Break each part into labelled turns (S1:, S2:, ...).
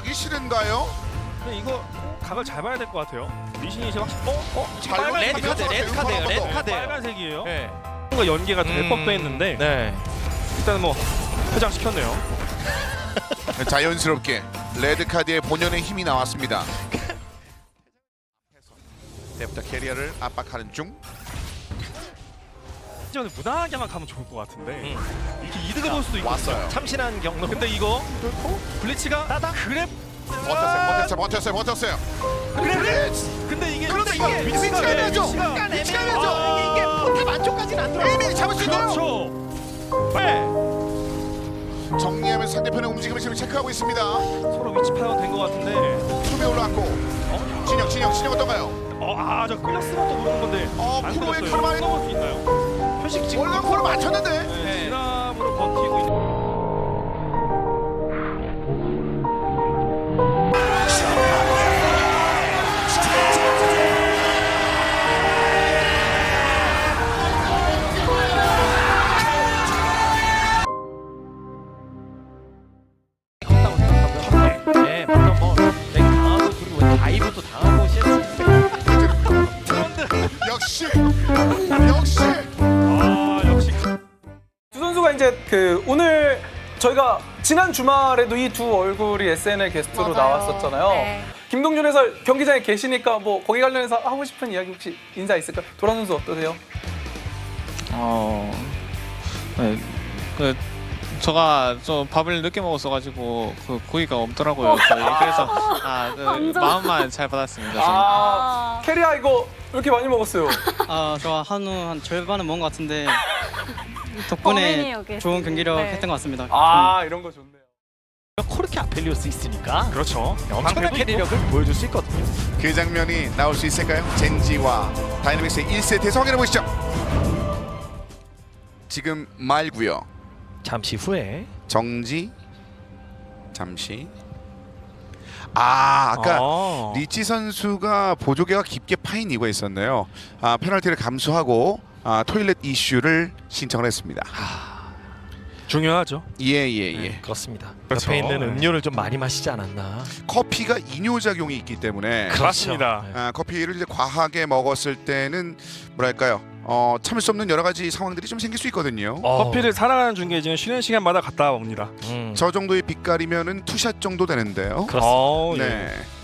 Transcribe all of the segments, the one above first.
S1: 가기 싫은가요?
S2: 근데 이거 각을 잘 봐야 될 것 같아요. 리신이 이제 확실히
S1: 잘
S2: 빨간
S3: 레드 카드, 레드 카드예요, 레드 카드.
S2: 빨간색이에요.
S3: 네.
S2: 뭔가 연계가 될 법도 했는데
S3: 네.
S2: 일단은 뭐 회장시켰네요.
S1: 자연스럽게 레드카드의 본연의 힘이 나왔습니다. 때부터 캐리어를 압박하는 중.
S2: 이전에 무난하게만 가면 좋을 것 같은데 이렇게 이득을 볼 수도 있고.
S1: 왔어요.
S3: 참신한 경로.
S2: 근데 이거 블리츠가 그랩
S1: 버텼어요.
S2: 근데 이게
S1: 그런데 이거
S2: 위치가
S1: 위치가 애매하죠?
S2: 위치가
S1: 위치가 애매하죠?
S3: 이게 포탑 안쪽까지는 안 들어.
S1: 에이미 잡을 수 있나요?
S2: 그렇죠. 네.
S1: 정리하면서 상대편의 움직임을 지금 체크하고 있습니다.
S2: 서로 위치 파악은 된 것 같은데.
S1: 수비에 올라왔고 진영 어떤가요?
S2: 저 끌렸으면 또 모르는 건데. 안
S1: 프로의
S2: 끌렸어요.
S1: 카르마인
S2: 넘을 수 있나요?
S3: 표식 지금
S1: 월광코를 맞췄는데
S2: 네. 진압으로 버티고 있는.
S3: 네, 물론 뭐 되게 강하고 그리고 다이브도 당하고
S1: 역시
S2: 역시.
S4: 두 선수가 이제 오늘 저희가 지난 주말에도 이 두 얼굴이 SNL 게스트로
S5: 맞아요.
S4: 나왔었잖아요.
S5: 네.
S4: 김동준 해설 경기장에 계시니까 뭐 거기 관련해서 하고 싶은 이야기 혹시 인사 있을까요? 도란 선수 어떠세요?
S6: 네, 제가 좀 밥을 늦게 먹었어가지고 고기가 없더라고요. 그래서 마음만 잘 받았습니다.
S4: 캐리아 이거 왜 이렇게 많이 먹었어요?
S7: 저 한우 한 절반은 먹은 것 같은데
S5: 범인이
S7: 덕분에
S5: 여기
S7: 좋은 경기력
S5: 네.
S7: 했던 것 같습니다.
S4: 이런 거 좋네요.
S3: 코르키 아펠리오스 있으니까
S2: 그렇죠.
S3: 엄청난
S2: 방패도
S3: 캐리력을 보여줄 수 있거든요.
S1: 그 장면이 나올 수 있을까요? 젠지와 다이내믹스의 1세트에서 확인해 보시죠. 지금 말고요.
S3: 잠시 후에
S1: 정지 잠시. 아까 리치 선수가 보조개가 깊게 파인 이유가 있었네요. 페널티를 감수하고 토일렛 이슈를 신청을 했습니다.
S2: 중요하죠.
S1: 예.
S3: 그렇습니다.
S2: 그렇죠.
S3: 옆에 있는 음료를 좀 많이 마시지 않았나.
S1: 커피가 이뇨작용이 있기 때문에
S2: 맞습니다.
S1: 커피를 이제 과하게 먹었을 때는 뭐랄까요? 참을 수 없는 여러 가지 상황들이 좀 생길 수 있거든요.
S2: 커피를 살아가는 중계진은 쉬는 시간마다 갔다 옵니다.
S1: 저 정도의 빛깔이면은 투샷 정도 되는데요.
S3: 그렇습니다.
S1: 네.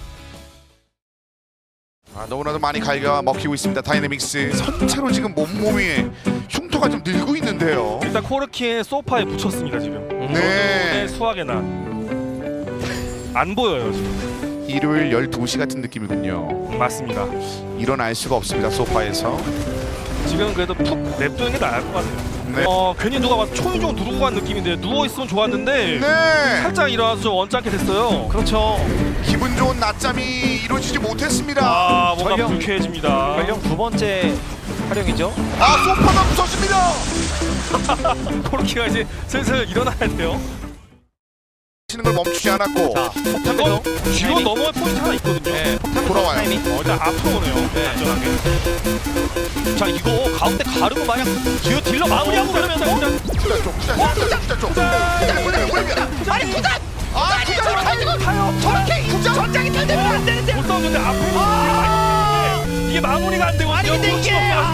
S1: 너무나도 많이 갈겨 먹히고 있습니다. 다이내믹스 선체로 지금 몸몸이 흉터가 좀 늘고 있는데요.
S2: 일단 코르키의 소파에 붙였습니다 지금.
S1: 네.
S2: 수학의 날. 안 보여요 지금.
S1: 일요일 12시 같은 느낌이군요.
S2: 맞습니다.
S1: 일어날 수가 없습니다. 소파에서.
S2: 지금 그래도 푹 냅두는 게 나을 것 같아요.
S1: 네.
S2: 괜히 누가 와서 초인종 누르고 간 느낌인데 누워있으면 좋았는데
S1: 네.
S2: 살짝 일어나서 좀 언짢게 됐어요.
S3: 그렇죠.
S1: 기분 좋은 낮잠이 이루어지지 못했습니다.
S2: 뭔가
S3: 전령.
S2: 불쾌해집니다.
S3: 전령 두 번째 활용이죠.
S1: 소파가 부서집니다.
S2: 코르키가 이제 슬슬 일어나야 돼요.
S1: 치는 걸 멈추지 않았고
S2: 이거 뒤로 넘어갈 포인트 하나 있거든요.
S3: 네,
S1: 돌아와요.
S2: 일단 앞으로 오네요. 안전하게.
S3: 자, 이거 가운데 가르고 마냥 뒤로 딜러 마무리하고 그러면서
S1: 투자 쪽.
S3: 아니 투자! 투자로 가요! 저렇게 전장이 탈되면 안 되는데!
S2: 못 싸우는데 앞으로 많이 뛰는데 이게 마무리가 안 되고
S3: 아니 근데 이게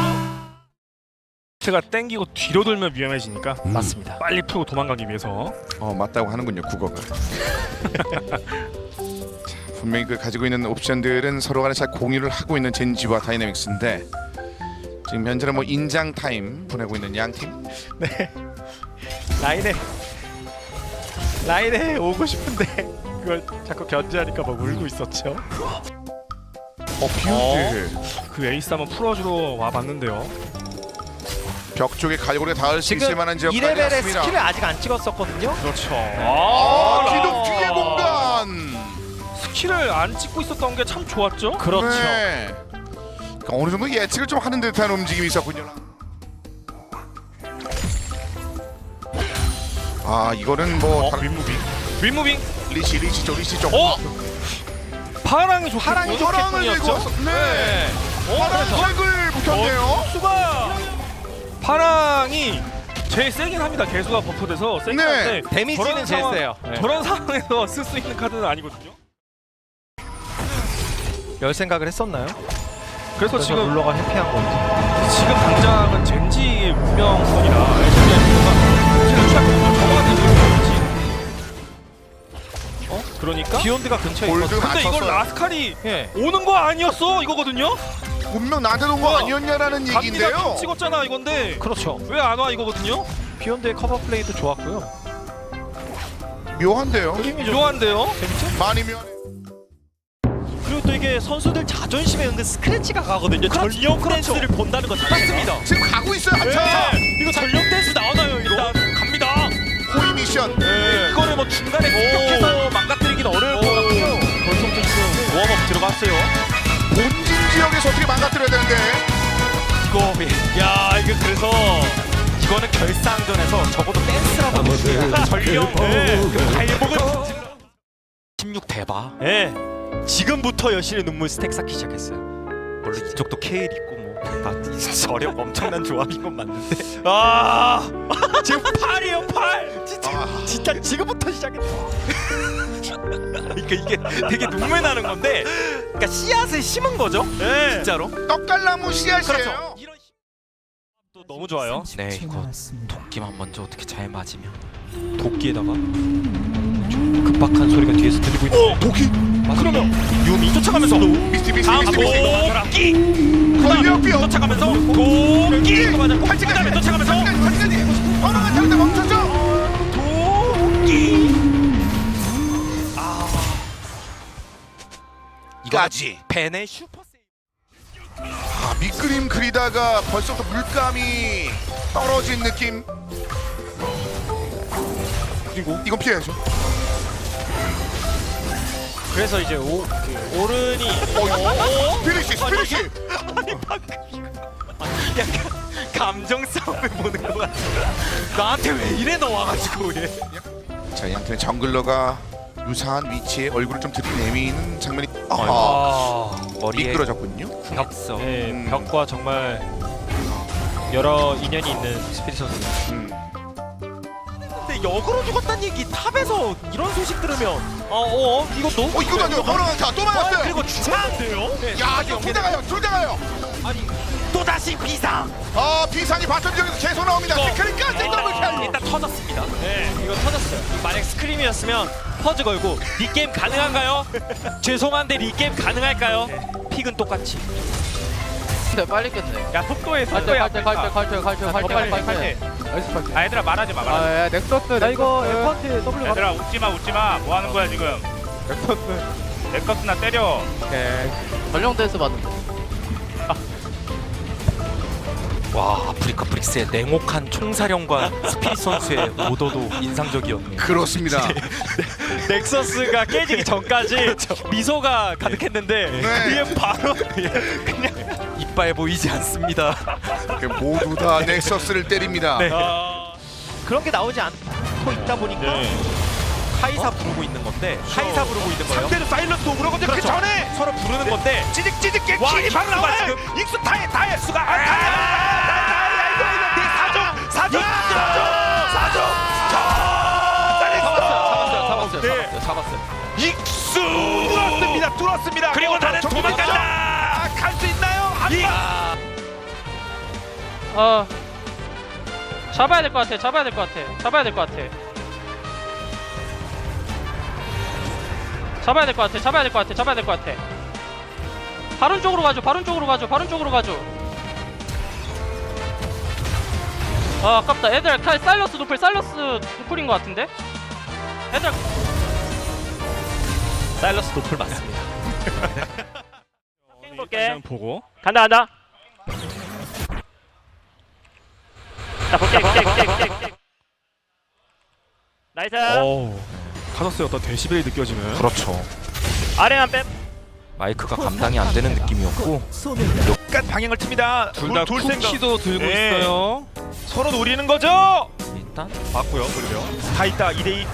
S2: 가 땡기고 뒤로 돌면 위험해지니까
S3: 맞습니다.
S2: 빨리 풀고 도망가기 위해서.
S1: 맞다고 하는군요. 국어가. 분명히 가지고 있는 옵션들은 서로 간에 잘 공유를 하고 있는 젠지와 다이내믹스인데 지금 현재는 뭐 인장 타임 보내고 있는 양 팀.
S3: 네. 라인에 오고 싶은데 그걸 자꾸 견제하니까 막 울고 있었죠.
S1: 비운드
S2: 그 에이스 한번 풀어주러 와봤는데요.
S1: 벽 쪽에 갈고리가 닿을 수 있을
S3: 지금
S1: 만한 지역까지
S3: 2레벨의
S1: 왔습니다.
S3: 스킬을 아직 안 찍었었거든요.
S2: 그렇죠.
S1: 기둥 뒤의 공간.
S2: 스킬을 안 찍고 있었던 게 참 좋았죠.
S3: 그렇죠.
S1: 네. 그러니까 어느 정도 예측을 좀 하는 듯한 움직임이 있었군요. 이거는 뭐
S2: 윗무빙.
S1: 리시 쪽.
S2: 파랑이 좋고
S1: 파랑을 들고 왔어. 네. 파랑색을 붙였네요.
S2: 수가 파랑이 제일 세긴 합니다. 개수가 버프돼서 세긴
S1: 네.
S2: 한데
S3: 데미지는 제일 세요. 네.
S2: 저런 상황에서 쓸 수 있는 카드는 아니거든요.
S3: 열 생각을 했었나요?
S2: 그래서 지금
S3: 룰러가 회피한 건지.
S2: 지금 당장은 젠지의 운명선이라 젠지의 운명선이 지금 시작부터 정확한 젠지. 그러니까
S3: 비욘드가 근처에
S1: 골드
S3: 있거든요.
S2: 근데 이걸
S1: 맞췄어요.
S2: 라스칼이
S3: 예.
S2: 오는 거 아니었어 이거거든요?
S1: 분명 나한테 온 거 아니었냐라는
S2: 갑니다
S1: 얘기인데요.
S2: 찍었잖아 이건데
S3: 그렇죠.
S2: 왜 안 와 이거거든요?
S3: 비욘드의 커버 플레이도 좋았고요.
S1: 묘한데요.
S3: 힘이 좀
S2: 묘한데요?
S3: 재밌죠?
S1: 많이 묘한.
S5: 그리고 또 이게 선수들 자존심에 은근 스크래치가 가거든요. 전력 댄스를 본다는 거 자체가.
S1: 지금 가고 있어요 한참.
S5: 이거 전력 댄스 나오나요? 일단 갑니다.
S1: 호위 미션.
S5: 이거를 뭐 중간에 공격해서 망가뜨리긴 어려울 것 같고요.
S3: 벌써부터 지금 웜업 들어갔어요.
S1: 본진 지역에서 어떻게 망가뜨려야 되는데.
S5: 야 이거 그래서 이거는 결상전에서 적어도 댄스라고 봅니다. 전력 발목을 16 대박. 예. 지금부터 여신의 눈물 스택 쌓기 시작했어요. 물론 이쪽도 케일 있고 뭐다 저력 엄청난 조합인 건 맞는데. 아 지금 8이에요 8. 진짜 지금부터 시작했다. 그러니까 이게 되게 눈물 나는 건데, 그러니까 씨앗을 심은 거죠. 예. 진짜로.
S1: 떡갈나무 씨앗이에요.
S5: 그렇죠. 이런 또 너무 좋아요. 네, 이거 도끼만 먼저 어떻게 잘 맞으면 도끼에다가 좀 급박한 소리가 뒤에서 들리고 있는.
S1: 도끼.
S5: 그러면 유미 쫓아가면서
S1: 미스티
S5: 다음
S1: 미스티.
S5: 도끼
S1: 걸려뼈.
S5: 쫓아가면서 도끼 맞아.
S1: 팔찌까지.
S5: 그다음에 쫓아가면서
S1: 팔찌까지. 번호가 잘못 멈췄죠.
S5: 도끼.
S1: 이거까지.
S5: 벤의 슈퍼 세이브.
S1: 아, 밑그림 그리다가 벌써부터 물감이 떨어진 느낌. 그리고 이건 피해야죠.
S5: 그래서 이제 오른이
S1: 피니시 피니시.
S5: 약간 감정 싸움을 보는 것 같아. 나한테 왜 이래 나와가지고 얘.
S1: 자, 양팀의 정글러가 유사한 위치에 얼굴을 좀 들이내미는 장면이
S5: 머리에
S1: 미끄러졌군요.
S5: 벽서.
S1: 음.
S5: 벽과 정말 여러 인연이 있는 스피릿 선수. 근데 역으로 죽었다는 얘기 탑에서 이런 소식 들으면 이것도
S1: 이거도 아니에요. 번호가 또 맞았어요.
S5: 그리고 주차한데요?
S1: 야, 지금 둘 다 가요. 둘 다 가요.
S5: 또 다시 비상.
S1: 비상이 바텀 지역에서 계속 나옵니다. 스크린까지 더블킬.
S5: 일단 터졌습니다. 네, 이거 터졌어요. 만약 스크림이었으면 퍼즈 걸고 리게임 가능한가요? 죄송한데 리게임 가능할까요? 픽은 똑같이.
S8: 빨리 끝내.
S2: 야 속도에
S8: 갈때
S2: 아 얘들아 말하지 마 말하지
S8: 아, 넥서스. 나 이거 F한테 W
S2: 마. 얘들아 웃지마 뭐 하는 거야 지금 넥서스나 때려.
S8: 전령 댄스 받는 거.
S5: 와, 아프리카 브릭스의 냉혹한 총사령관 스피릿 선수의 오더도 인상적이었네요.
S1: 그렇습니다.
S5: 넥서스가 깨지기 전까지 미소가 가득했는데 그게 바로 그냥 이빨 보이지 않습니다.
S1: 모두 다 넥서스를 때립니다.
S5: 네. 그런 게 나오지 않고 있다 보니까 카이사 부르고 있는 건데 카이사 부르고 있는 거예요.
S2: 상대는 사일런트 오그라 건데 그 전에
S5: 서로 부르는 건데
S2: 찌직찌직 게
S5: 와,
S2: 킬이 바로
S5: 익수가
S2: 나와요.
S5: 지금
S2: 익수 다해 수가 사정
S8: 잡았어요.
S2: 익수 뚫었습니다. 그리고 나는 도망간다. 갈 수 있나요?
S8: 잡아야 될 것 같아. 잡아야 될 것 같아. 잡아야 될 것 같아. 잡아야 될 것 같아. 잡아야 될 것 같아. 잡아야 될 것 같아. 바론 쪽으로 가죠. 바론 쪽으로 가죠. 바론 쪽으로 가죠. 아, 아깝다. 애들 사일러스 노플, 사일러스 노플인 것 같은데? 애들
S5: 사일러스 노플 맞습니다.
S2: 볼게. 보고.
S8: 간다. 나 볼게. 나이스.
S2: 카더스의 어떤 데시벨이 느껴지는.
S5: 그렇죠.
S8: 아래만 뺨.
S5: 마이크가 감당이 안 되는 느낌이었고
S2: 약간 방향을 틉니다.
S3: 둘다 쿠키도 들고
S2: 네.
S3: 있어요.
S2: 서로 노리는 거죠.
S5: 일단
S2: 맞고요. 그러려. 다 있다 2대2.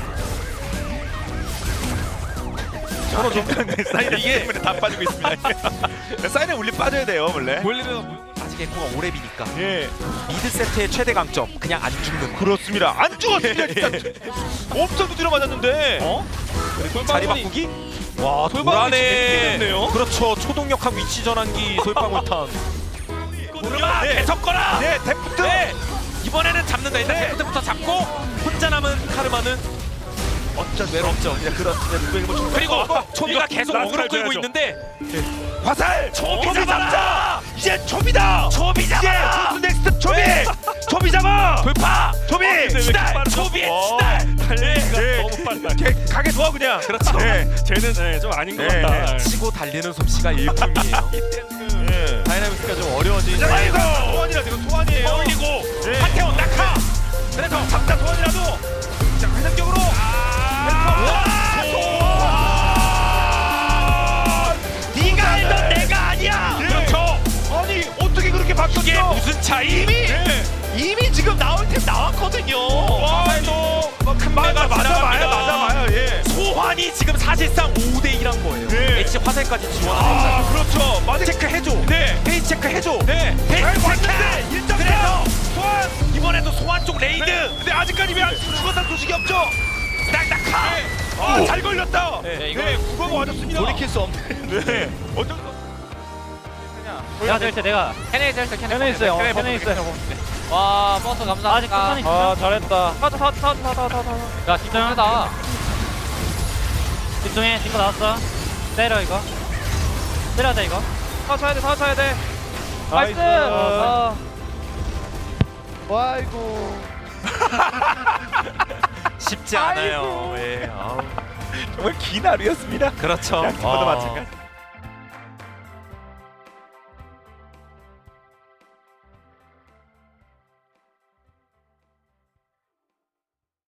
S2: 서로 좀 사이드 때문에 다 빠지고 있습니다. 사이드 울리 빠져야 돼요 원래.
S5: 아직 에코가 오랩이니까
S2: 예.
S5: 미드 세트의 최대 강점 그냥 안 죽는 거.
S2: 그렇습니다. 안 죽었습니다 진짜. 엄청 두드려 맞았는데.
S5: 자리 바꾸기?
S2: 와
S5: 불안해.
S2: 네요.
S5: 그렇죠. 초동력학 위치 전환기 솔방울탄.
S2: 네.
S5: 계속 거라. 네, 데프트. 네. 이번에는 잡는다. 일단 데프트부터 잡고 혼자 남은 카르마는 어쩔 외롭죠. 그리고 초비가 계속 어그로 끌고 있는데 화살. 초비 잡자. 이제 초비다. 초비 잡아. 이제 넥스트 초비. 초비 잡아. 돌파. 초비. 시달. 초비의 시달.
S2: 달리기가 너무 빨라.
S5: 가게 둬 그냥. 그렇죠.
S2: 쟤는 좀 아닌 것 같다.
S5: 치고 달리는 솜씨가 일품이에요.
S2: 다이나믹스가 좀 어려워지는.
S5: 아이고 소환이라 지금 소환이에요. 올리고 한태원 낙하. 그래서 잡다 소환이라도 자 회전격으로. 네가 알던 내가 아니야. 그렇죠. 아니 어떻게 그렇게 바뀌었어? 이게 무슨 차이? 이미 지금 나올 템 나왔거든요. 와도 큰 맞아봐요. 예. 소환이 지금 사실상 5대2란 거예요. H 화살까지 지원하는. 그렇죠. 맞아. 체크 해줘. 네. 페이지 체크 해줘. 네. 페이지 체크. 그래서 소환 이번에도 소환 쪽 레이드. 근데 아직까지 왜 죽었다는 소식이 없죠? 딱딱하. 잘 걸렸다. 네. 국어가 맞았습니다. 돌이킬 수 없는. 네.
S8: 내가 될 때 내가 캐네 있어요. 캐네 있어요. 와 버스 감사합니다. 아직 끝판이
S2: 아 잘했다.
S8: 야 집중하다. 집중해. 이거 나왔어. 때려 이거. 때려야 돼 이거. 다 쳐야 돼. 나이스.
S3: 아이고.
S5: 쉽지 않아요. 예.
S2: 정말 긴 하루였습니다.
S5: 그렇죠.
S2: 양팀마다 마찬가지.